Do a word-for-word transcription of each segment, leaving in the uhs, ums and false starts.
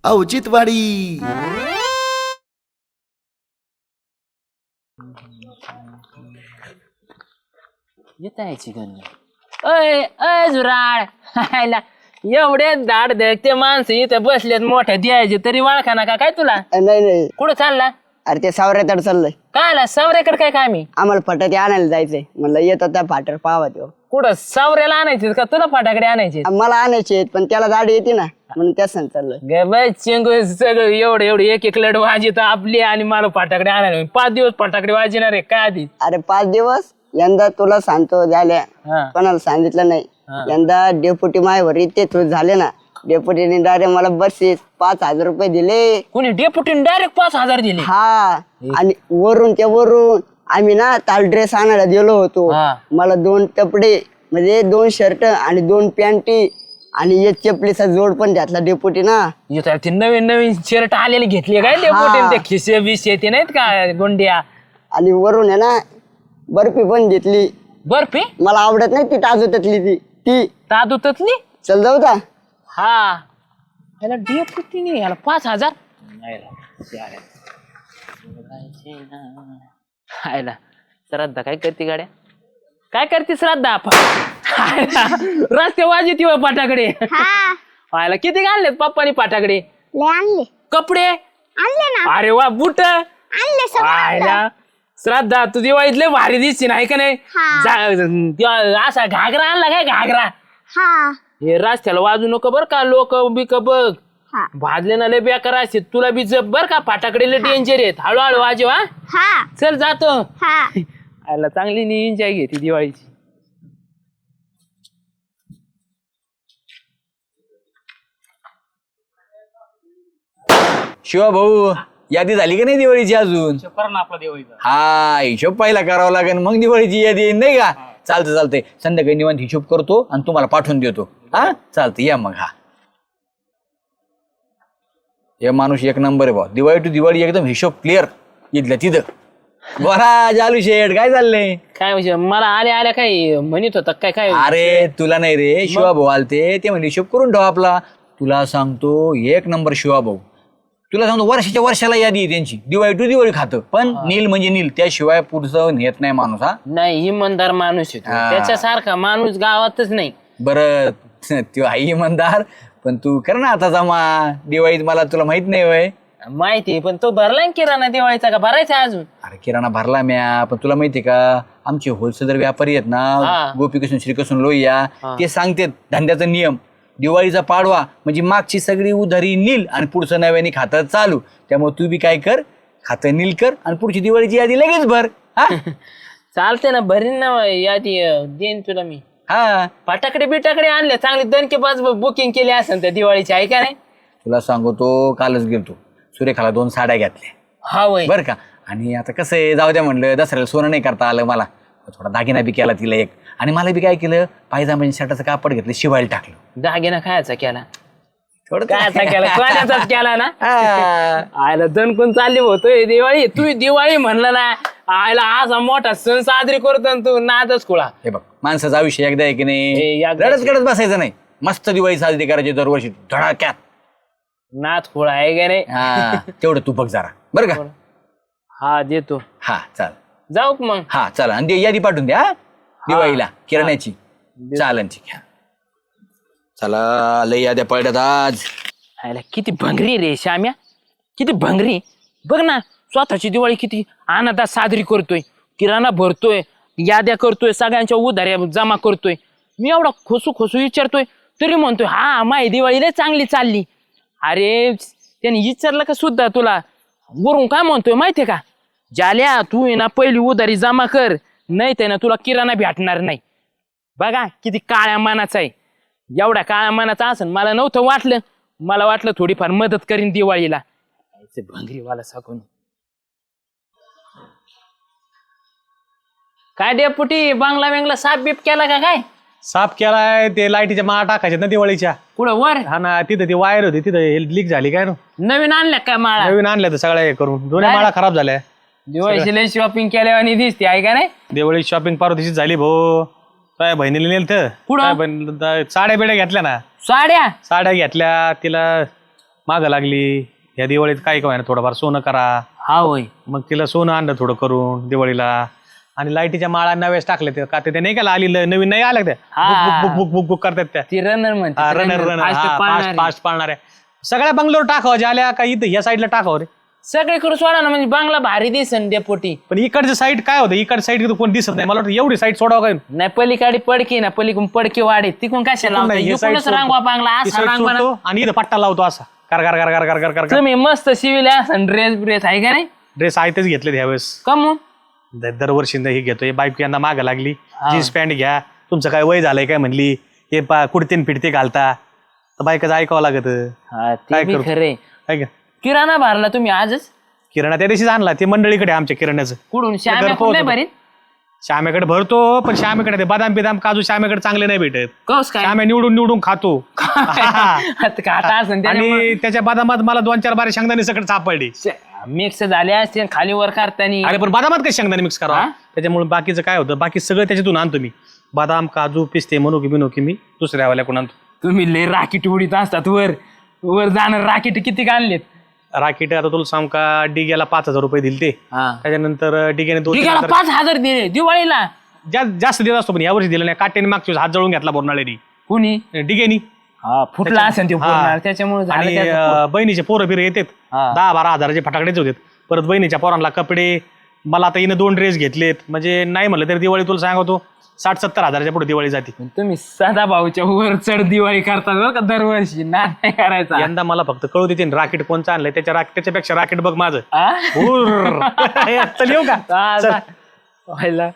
औचित्यवाडी. येत यायची गण अय अय झुराळ एवढे दाड ते माणसं इथं बसलेत मोठ्या द्यायचे तरी वाळखा ना का काय तुला? नाही नाही कुठं चालला? अरे ते सावऱ्याकडे चाललंय. काय आला सावऱ्याकडे काय काम आहे? आम्हाला फटाके आणायला जायचंय म्हणलं येतात त्या फाटर पाहावा तो. कुठं सावऱ्याला आणायचे का तुला फटाकडे आणायचे? मला आणायचे पण त्याला गाडी येते ना म्हणून त्या सण चाललंय. चेंगू सगळं एवढं एवढं एक एक लढ वाजित आपली आणि मला फटाकडे आणायला पाच दिवस फटाकडे वाजणार आहे काय आधी? अरे पाच दिवस यंदा तुला सांगतो झाल्या कोणाला सांगितलं नाही. यंदा डेप्युटी मायवर इथे तू झाले ना डेप्युटीने डायरेक्ट मला बक्षीस पाच हजार रुपये दिले. कोणी डेप्युटीने डायरेक्ट पाच हजार दिले? हा आणि वरून त्या वरून आम्ही ना ताल ड्रेस आणायला गेलो होतो. मला दोन कपडे म्हणजे दोन शर्ट आणि दोन पॅन्टी आणि एक चपलीचा जोड पण घातला डेप्युटी ना. ते नवीन नवीन शर्ट आलेले घेतले काय डेप्युटीने? ते खिसे बिसे ते नाहीत का गोंड्या? आणि वरून आहे ना बर्फी पण घेतली. बर्फी मला आवडत नाही ती ताजूतली ती ती तादूतली. चल जाऊ का? हा याला डेप्युटीने याला पाच हजार आयला. श्राद्धा काय करते गाड्या? काय करते श्राद्धा? रस्ते वाजत पाटाकडे आयला. किती घाललेत पप्पानी पाटाकडे? आणले कपडे आणले ना. अरे वा बुट आणले आयला. श्राद्धा तू दिवाळीतले भारी दिसते नाही का नाही? असा घागरा आणला काय? घागरा हा हे रस्त्याला वाजू नको बर का? लोक बिक बघ भाजले ना लय बेकार असते. तुला बी जप बर का? फाटाकडे लय डेंजर आहेत. हळूहळू वाजव. हा चल जातो. आयला चांगली नी एन्जॉय घेते दिवाळीची. शिवा भाऊ यादी झाली का नाही दिवाळीची अजून? आपला दिवाळीचा हा हिशोब पहिला करावा लागेल मग दिवाळीची यादी येईल नाही का? चालतं चालतंय संध्याकाळी निवांत हिशोब करतो आणि तुम्हाला पाठवून देतो. हा चालतं या मग. हा हे माणूस एक नंबर आहे भाऊ. दिवाळी टू दिवाळी एकदम हिशोब क्लिअर इथल्या तिथं. बरा जालू शेठ काय चाललंय? काय म्हणजे मला आल्या आल्या काय म्हणत होता काय? काय अरे तुला नाही रे शिवा भाऊ आलते ते म्हणजे हिशोब करून ठेवा आपला. तुला सांगतो एक नंबर शिवा भाऊ. तुला सांगतो वर्षाच्या वर्षाला यादी आहे त्यांची. दिवाळी टू दिवाळी खातं पण नील म्हणजे नील त्याशिवाय पुढचं नेत नाही माणूस. हा नाही इमानदार माणूस आहे त्याच्यासारखा माणूस गावातच नाही. बरं तू आई इमानदार पण तू कर ना आता जमा दिवाळीत. मला तुला माहित नाही वय? माहिती पण तो भरला किराणा दिवाळीचा का भरायचा अजून? अरे किराणा भरला म्या पण तुला माहितीये का आमचे होलसेलर व्यापारी आहेत ना गोपीकृष्ण श्रीकृष्ण लोहिया ते सांगतात धंद्याचा नियम. दिवाळीचा पाडवा म्हणजे मागची सगळी उधारी नील आणि पुढचं नव्याने खातं चालू. त्यामुळे तू बी काय कर खातं नील कर आणि पुढची दिवाळीची यादी लगेच भर. चालते ना भरीन ना यादी देईन तुला मी. हा फटाकडे बिटाकडे आणले चांगले दणके पाच बुकिंग केली असेल त्या दिवाळीची आहे का नाही? तुला सांगतो कालच गेलतो सुरेखाला दोन साड्या घेतल्या. हा वय बरं का? आणि आता कसं आहे जाऊ द्या म्हणलं दसऱ्याला सोनं नाही करता आलं मला. थोडा दागिना बी केला तिला एक आणि मला बी काय केलं पायजामा शर्टाचं कापड घेतलं शिवायला टाकलं. दागिना खायचा केला? थोडं कायचा केला? कोणाचाच केला ना? आयला दणकून चालली होतोय दिवाळी. तू दिवाळी म्हणलं ना आयला असा मोठा सण साजरी करतो तू नादच खुळा. हे बघ माणसाचा आयुष्य एकदा आहे की नाही एकदा रडत गडत बसायचं नाही. मस्त दिवाळी साजरी करायची दरवर्षी धडाक्यात. नाद खुळा आहे का नाही? हा तेवढं तू बघ जरा बरं का? हा देतो. हा चाल जाऊ मग. हा चला आणि ते यादी पाठवून द्या दिवाळीला किराण्याची चालनची. चला लय याद्या पडल्यात आज. आयला किती भंगरी रे श्याम्या किती भंगरी. बघ ना स्वतःची दिवाळी किती आनंदात साजरी करतोय. किराणा भरतोय याद्या करतोय सगळ्यांच्या उधाऱ्या जमा करतोय. मी एवढा खोसू खोसू विचारतोय तरी म्हणतोय हा माही दिवाळी लय चांगली चालली. अरे त्याने विचारलं का सुद्धा तुला? वरून काय म्हणतोय माहितीये का? जाल्या तू आहे ना पहिली उधारी जमा कर नाही ते ना तुला किराणा भेटणार नाही. बघा किती काळ्या मानाचा आहे. एवढ्या काळ्या मानाचा असेल मला नव्हतं वाटलं. मला वाटलं थोडीफार मदत करीन दिवाळीला. भंगरीवाला सांगून काय डेपुटी बांगला बेंगला साफ बीप केला का काय? साफ केलाय ते लाईटीच्या माळा टाकायच्या ना दिवाळीच्या. कुठं वर? हा ना तिथं ती वायर होती तिथं लीक झाली काय ना नवीन आणल्या काय माळा? नवीन आणल्या तर सगळ्या हे करून दोन्ही माळा खराब झाल्या. दिवाळीची लय शॉपिंग केल्या आणि दिसते आहे का नाही? दिवाळी शॉपिंग पार्वतीची झाली भाऊ. काय बहिणीला नेलं तर साड्या बिड्या घेतल्या ना. साड्या साड्या घेतल्या तिला मागं लागली या दिवाळीत काय काय ना थोडंफार सोनं करा. हा होय. मग तिला सोनं आणलं थोडं करून दिवाळीला. आणि लाईटीच्या माळा नव्याच टाकल्या त्या का ते नाही का आली ल- नवीन नाही आल्या त्या हा. बुक बुक बुक बुक करतात त्या ती रनर म्हणते रनर रनर फास्ट फास्ट पाळणाऱ्या सगळ्या बंगलोर टाकावं ज्या का इथं या साईडला टाकावं रे. सगळीकडे सोडा ना म्हणजे बांगला भारी दिसन डेपोटी. पण इकडचं साईड काय होतं इकडच्या साईड कोण दिसत नाही मला वाटतं एवढी साईड सोडावं काय नाही पलीकडे पडकी ना पलीकडून पडकी वाढे तिकून कशाला नाही, हे side लावता रांगवा बांगला ती असा side रांगवा ना. सोडतो आणि इथं पट्टा लावतो असा कर कर कर कर कर कर कर तुम्ही मस्त शिविले असन ड्रेस ब्रेस आहे का नाही ड्रेस आहेतच घेतले ह्यावेळेस. कमून द- दरवर्षी हे घेतोय बाईक यांना मागं लागली जीन्स पॅन्ट घ्या तुमचं काय वय झालंय काय म्हणली हे पा कुडतीन फिडते घालता तर बायकाचं ऐकावं लागत. हा ते काय बी करू? खरे. काय का किराणा भरला तुम्ही आजच किराणा त्या दिवशीच आणला ते मंडळीकडे आमच्या किराण्याचं. कुठून श्याम्या घर कुठं नाही पोहोचलं. भरीत श्यामेकडे भरतो पण श्यामेकडे ते बदाम बिदाम काजू श्यामेकडे चांगले नाही भेटत. कस काय श्यामे निवडून निवडून खातो आता खाता असन त्याच्यामुळं आणि त्याच्या बदामात मला दोन चार बारे शेंगदाणे सकट सापडली. मिक्स झाले असते खाली वर करताना. अरे पण बदामात काही शेंगदाणे मिक्स करा हा? त्याच्यामुळे बाकीचं काय होतं बाकी सगळं त्याच्यातून आणतो मी बदाम काजू पिस्ते मनोकी बिनोकी मी दुसऱ्या वाल्याकडून आणतो. तुम्ही लय राकीट उडीत असतात वर वर जाणार राकीट किती आणलेत. राकीट आता तुला सांग का डिग्याला पाच हजार रुपये दिले ते त्याच्यानंतर डिग्याने दोन ठिकाणा पाच हजार दिले दिवाळीला. जा- जास्त देत असतो पण यावर्षी दिलं नाही काट्याने मागच्या वेळेस हात जळून घेतला बोरनाळ्यानी कुणी डिगेनी हा फुटला असेल ते हा. पूर्ण त्याच्यामुळे झालं आणि त्याचं. अं, बहिणीचे पोरं बिरं येतात हा. दहा बारा हजाराचे फटाकडेच होते परत बहिणीच्या पोरांना कपडे मला आता हिनं दोन ड्रेस घेतलेत म्हणजे नाही म्हणलं तरी दिवाळी तुला सांगतो साठ सत्तर हजाराच्या पुढे दिवाळी जाते. तुम्ही सदा भाऊच्या वर चढ दिवाळी करतात बरं का दरवर्षी ना नाही करायचा. यंदा मला फक्त कळू देते राकेट कोणचं आणलंय त्याच्या राक- त्याच्यापेक्षा राकेट बघ माझं. आ? हुर्र. चल येऊ का हा, चल. जा. व्हायला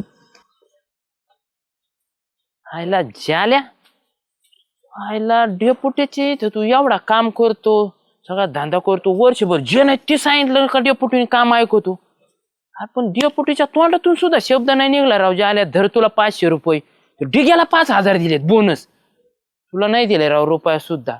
व्हायला झाल्या व्हायला डेपुटीचे इथं तू एवढा काम करतो सगळा धंदा करतो वर्षभर जे नाही ते सांगितलं का डेपुटीने काम ऐकवतो. अरे पण डेपुटीच्या तोंडातून सुद्धा शब्द नाही निघला राव झाल्या धर तुला पाचशे रुपये डिग्याला पाच हजार दिलेत बोनस तुला नाही दिले राव रुपया सुद्धा.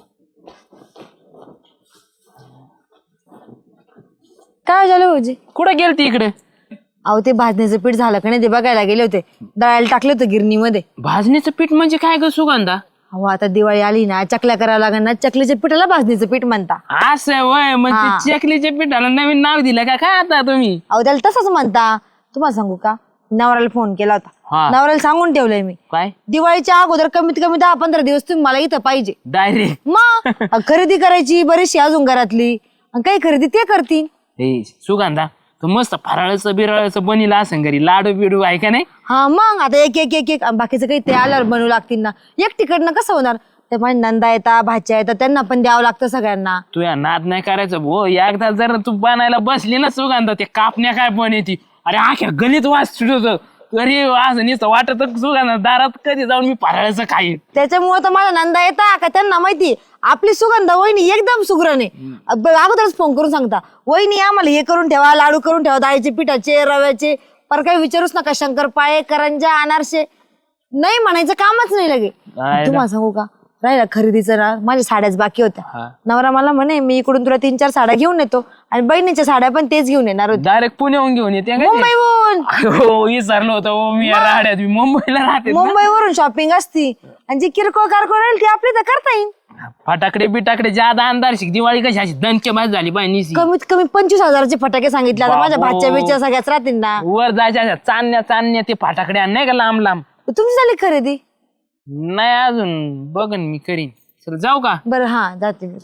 काय झालं भाऊजी? कुठं गेलती इकडे अहो ते भाजणीचं पीठ झालं का नाही ते बघायला गेले होते दळायला टाकलं होतं गिरणीमध्ये. भाजणीचं पीठ म्हणजे काय ग सुगंधा. अहो आता दिवाळी आली ना चकल्या करावं लागेल ना चकलीच्या पिठाला भाजणीचं पीठ म्हणता. असं वय मग हा. ते चकलीच्या पिठाला नवीन नाव दिलं का काय आता तुम्ही. अहो त्याला तसंच म्हणता. तुम्हाला सांगू का नवऱ्याला फोन केला हा. होता नवऱ्याला सांगून ठेवलंय मी काय दिवाळीच्या अगोदर कमीत कमी दहा पंधरा दिवस तुम्ही मला इथं पाहिजे. डायरेक्ट मग खरेदी करायची बरीचशी अजून घरातली आणि काही खरेदी ते करतील. हे सुगंधा तू मस्त फराळाचं बिराळाचं बनीला असं घरी लाडू बिडू आहे का नाही. हा मग आता एक एक एक एक आणि बाकीचं काही ते आल्यावर बनवू लागतील ना एकटीकडनं कसं होणार. ते माझ्या नंदा येतात भाच्या येतात त्यांना पण द्यावं लागतं सगळ्यांना. तू या नाद नाही करायचं भो एकदा जर तू बनायला बसली ना सुगंधा ते कापण्या काय पण येते अरे आख्या गणित वाच सुटत अरे असं नुसतं वाटत सुगंधा दारात कधी जाऊन मी फराळाचं खाईन. त्याच्यामुळे तर माझ्या नंदा येता का त्यांना माहिती आपली सुगंधा वहिनी एकदम सुगरण आहे. अगोदरच फोन करून सांगता वहिनी आम्हाला हे करून ठेवा लाडू करून ठेवा डाळीचे पिठाचे रव्याचे पर काही विचारूच नका शंकरपाळे करंजा अनारसे नाही म्हणायचं कामच नाही लगे. काय तुम्हाला सांगू का राहिला खरेदीचं ना माझ्या साड्याच बाकी हा. होत्या. नवरा मला म्हणे मी इकडून तुला तीन चार साड्या घेऊन येतो आणि बहिणीच्या साड्या पण तेच घेऊन येणार होते डायरेक्ट पुण्याहून घेऊन येते का ते? मुंबईहून. हो विसरलो होतं हो मी या राहड्यात मी मुंबईला राहते ना. मुंबईवरून शॉपिंग असती आणि जी किरकोळ कारकोळ राहील ती आपली तर करता येईल. फटाकडे बिटाकडे ज्यादा अंधार शिक दिवाळी कशी अशी दणके बाज झाली बाई निसी कमीत कमी पंचवीस हजाराचे फटाके सांगितले आता माझ्या बाबो. भाच्या बिच्या सगळ्याच राहतील ना. वर जायच्या अशा चांदण्या चांदण्या ते फटाकडे आण नाही का लांब लांब. तुमची झाली खरेदी? नाही अजून बघन मी करीन. चल जाऊ का बरं हा जाते मी.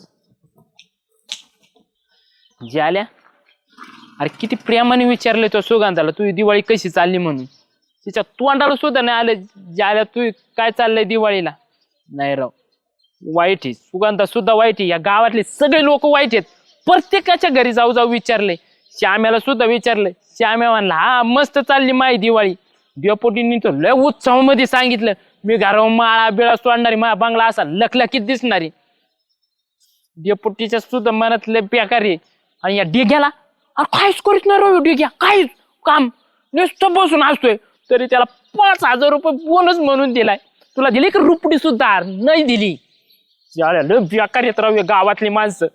ज्याल्या अरे किती प्रेमाने विचारले तो सुगंधाला तू दिवाळी कशी चालली म्हणून तिच्या तोंडाला सुद्धा नाही आलं ज्याल्या तू काय चाललंय दिवाळीला. नाही राव वाईट आहे सुगंधा सुद्धा वाईट आहे या गावातले सगळे लोक वाईट आहेत. प्रत्येकाच्या घरी जाऊ जाऊ विचारले श्याम्याला सुद्धा विचारलं श्याम्या म्हणला हा मस्त चालली माई दिवाळी. डेपोटींनी तर लय उत्सवामध्ये सांगितलं मी घरावर माळा बिळा सोडणारी मा बंगला असा लखलखीत दिसणारी. डेपोटीच्या सुद्धा मनात लय बेकार आहे. आणि या डिग्याला अरे काहीच करीत नाही राव डिग्या काहीच काम नुसतं बसून असतोय तरी त्याला पाच हजार रुपये बोनस म्हणून दिलाय. तुला दिली की रुपडी सुद्धा नाही दिली. लय बेकार येत राव गावातली माणसं.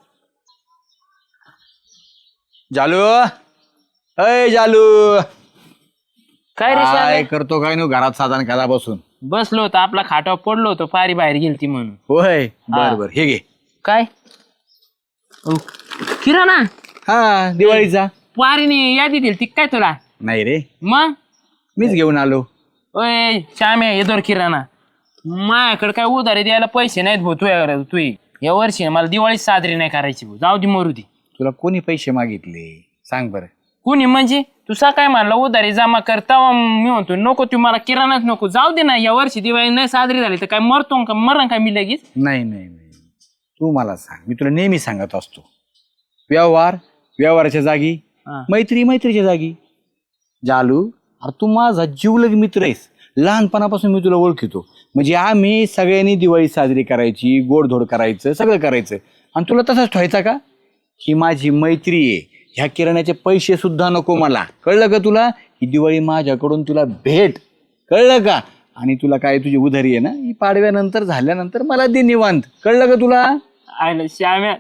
जालू अय जालू काय रे काय श्याम्या? करतो काय नो घरात साधन करा बसून बसलो होतो आपला खाटावर पडलो होतो पारी बाहेर गेलती म्हणून. होय बर हा. बर हे घे काय अहो, किराणा हा दिवाळीचा. वारीने यादी दिली ती काय तुला? नाही रे, मग मीच घेऊन आलो. ओय श्याम्या येदोर किराणा माझ्याकडे काय उधारी द्यायला पैसे नाहीत भाऊ. तू तू या वर्षी मला दिवाळी साजरी नाही करायची भाऊ. जाऊ दे मरू दे. तुला कोणी पैसे मागितले सांग बरं? कुणी म्हणजे तू सकाळी म्हणला उधारी जमा करता मी म्हणतो नको तू मला किराणाच नको. जाऊ दे ना या वर्षी दिवाळी नाही साजरी झाली तर काय मरतो का मरण काय मी लगेच? नाही नाही नाही तू मला सांग, मी तुला नेहमी सांगत असतो व्यवहार व्यवहाराच्या जागी, मैत्री मैत्रीच्या जागी. जालू अरे तू माझा जीवलग मित्र आहेस, लहानपणापासून मी तुला ओळखितो. म्हणजे आम्ही सगळ्यांनी दिवाळी साजरी करायची, गोडधोड करायचं, सगळं करायचं. आणि तुला तसाच ठेवायचा का? ही माझी मैत्री आहे. ह्या किराण्याचे पैसे सुद्धा नको मला, कळलं का तुला? ही दिवाळी माझ्याकडून तुला भेट, कळलं का? आणि तुला काय तुझी उधारी आहे ना, ही पाडव्यानंतर झाल्यानंतर मला दे निवांत, कळलं का तुला? आयला श्याम्या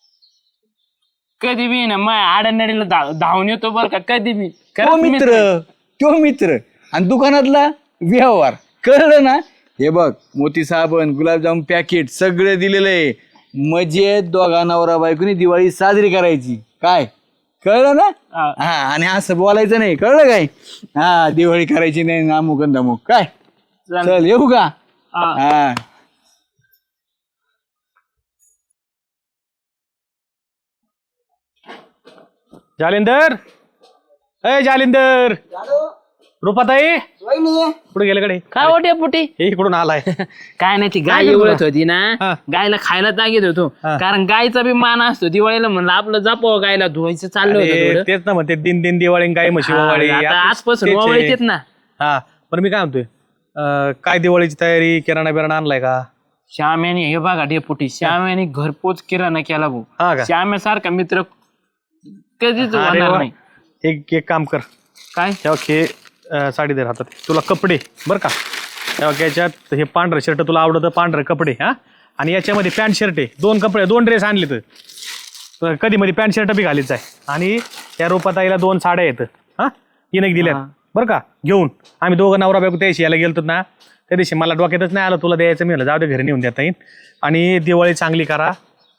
कधी बी ना माझ्या आडनडीला धाव धावून येतो बरं का कधी बी. तो मित्र तो मित्र आणि दुकानातला व्यवहार, कळलं ना? हे बघ मोती साबण, गुलाबजाम पॅकेट सगळे दिलेलं आहे. मजेत दोघा नवरा बायकोनी दिवाळी साजरी करायची, काय कळलं ना? हा आणि असं बोलायचं नाही, कळलं काय? हा दिवाळी करायची नाही अमुक आणि धमुक, काय? चल येऊ का? हा जालिंदर, अय जालिंदर, रुपाताई कुठे गेले कडे? काय वाटे पुटी हे इकडून आलाय. काय नाही ती गाय एवढत होती ना, गायला खायला जागेत होतो. कारण गायचा बी मान असतो दिवाळीला म्हणलं आपलं जपाव गायला धुवायचं चाललं होतं अरे, थोडं. तेच ना म्हणते दिन दिन दिवाळी गाय म्हशी वाळी. आता आपलं आजपासून तेच आहे. वावळीत ना. हा पण मी काय म्हणतोय, अं, काय दिवाळीची तयारी, किराणा बिराणा आणलाय का? श्याम्याने हे बघा डेपुटी श्याम्याने घरपोच किराणा केला हा भाऊ. का? श्याम्यासारखा मित्र कधीच अरे होणार वा. नाही. एक एक काम कर, काय तेव्हा खे अं, साडी दे हातात, तुला कपडे बरं का. तेव्हा याच्यात हे पांढरं शर्ट तुला आवडतं, पांढरे कपडे हा, आणि याच्यामध्ये पॅन्ट शर्ट आहे, दोन कपडे दोन ड्रेस आणले तर कधी मध्ये पॅन्ट शर्ट बी घालीच आहे. आणि त्या रूपाताईला दोन साड्या आहेत हा, तीन एक दिल्यात बरं का घेऊन. आम्ही दोघं नवरा बायको त्याशी यायला गेलतो ना, त्या दिवशी मला डोक्यातच नाही आलं तुला द्यायचं. मी म्हणलं जाऊ दे घरी नेऊन देता येईल. आणि दिवाळी चांगली करा.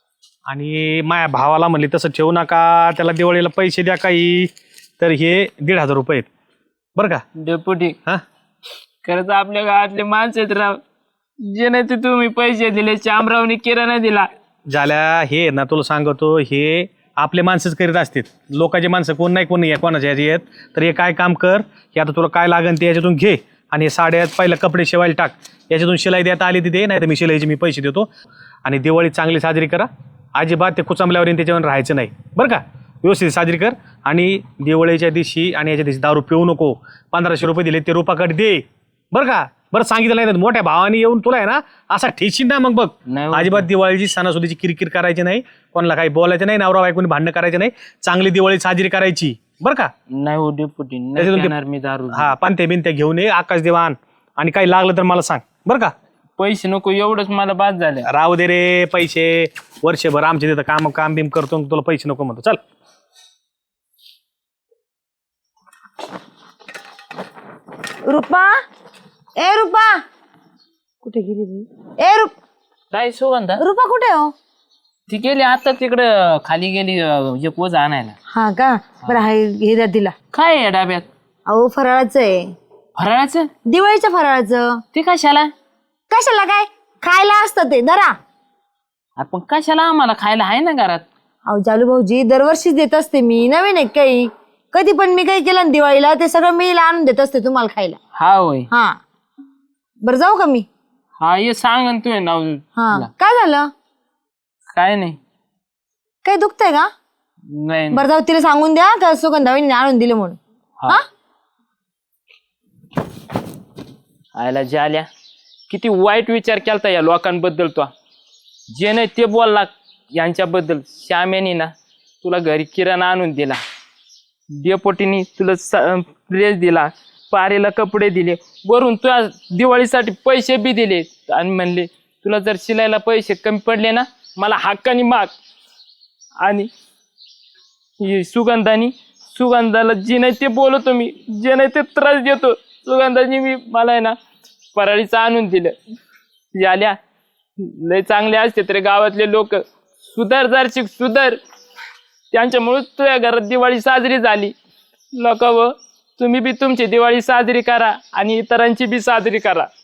आणि माझ्या भावाला म्हणले तसं ठेवू नका, त्याला दिवाळीला पैसे द्या काही. तर हे दीड हजार रुपये आहेत बरं का डेपुटी. हा. खरंच आपल्या गावातले माणसं आहेत राव, जे नाही ते तुम्ही पैसे दिले. श्यामरावने किराणा दिला. झाल्या हे ना तुला सांगतो, हे आपले माणसंच करीत असतात, लोकांचे माणसं कोण नाही कोण नाही कोणाच्या ह्याची आहेत. तर हे काय काम कर, हे आता तुला काय लागेल ते याच्यातून घे. आणि हे साड्यात पहिलं कपडे शिवायला टाक, याच्यातून शिलाई देता आली तिथे, नाही तर मी शिलाईचे मी पैसे देतो. आणि दिवाळी चांगली साजरी करा, अजिबात ते कुचांबल्यावर त्याच्यावर राहायचं नाही बरं का. व्यवस्थित साजरी कर. आणि दिवाळीच्या दिवशी आणि याच्या दिवशी दारू पिऊ नको. पंधराशे रुपये दिले ते रुपाकडे दे बरं का. बरं सांगितलं नाही तर मोठ्या भावाने येऊन तुला आहे ना असा ठेशील ना मग बघ. अजिबात दिवाळीची सणासुदीची किरकिर करायची नाही, कोणाला काही बोलायचं नाही, नवरा बायकोनी भांडणं करायचं नाही. चांगली दिवाळी साजरी करायची बरं का. नाही हो डेपुटी, नाही त्याच्यातून ते- पिणार मी दारू. हा पानते बिनते घेऊन ये, आकाश दिवाण. आणि काही लागलं तर मला सांग बरं का. पैसे नको एवढंच मला बाद झालं. राहू दे रे पैसे, वर्षभर आमच्या तिथं काम काम बिम करतो, तुला पैसे नको म्हणतो. चल रुपा, ए रुपा कुठे गेली बाई? ए रुप काय सुगंधा रुपा कुठे हो? ती गेली आता तिकडं खाली गेली अं, एक वज आणायला. हा का? बरं हाय, हे द्या तिला. काय आहे डाब्यात? अहो फराळाचं आहे, फराळाचं. दिवाळीच्या फराळाचं. ते कशाला? कशाला काय खायला असतं ते, धरा. आपण कशाला, आम्हाला खायला आहे ना घरात. अहो जालू भाऊजी दरवर्षीच देत असते मी, नवीन आहे काही. कधी पण मी काही केलं ना दिवाळीला ते सगळं मी आणून देत असते तुम्हाला खायला. हा होय. हा बरं जाऊ का मी? हा ये सांग ना तू नाव. हा काय झालं? काय नाही. काही दुखतंय का? नाही बरं जाऊ, तिला सांगून द्या का सुगंधाबाईंनी आणून दिले म्हणून. हा आयला जाल्या किती वाईट विचार केलता या लोकांबद्दल. तो जे नाही ते बोलला यांच्याबद्दल. श्याम्यानी ना तुला घरी किराणा आणून दिला, डेपोटीनी तुला ड्रेस दिला, पारेला कपडे दिले, वरून तुला दिवाळीसाठी पैसे बी दिले. आणि म्हणले तुला जर शिलायला पैसे कमी पडले ना मला हक्कानी माग. आणि ही सुगंधानी, सुगंधाला जे नाही ते बोलतो मी, जे नाही ते त्रास देतो. सुगंधानी मी मला आहे ना फराळीचं आणून दिलं. झाल्या लय चांगले असते तर गावातले लोक. सुधार जारशिक सुधार. त्यांच्यामुळे तुझ्या घरात दिवाळी साजरी झाली. लोक व तुम्ही बी तुमची दिवाळी साजरी करा आणि इतरांची बी साजरी करा.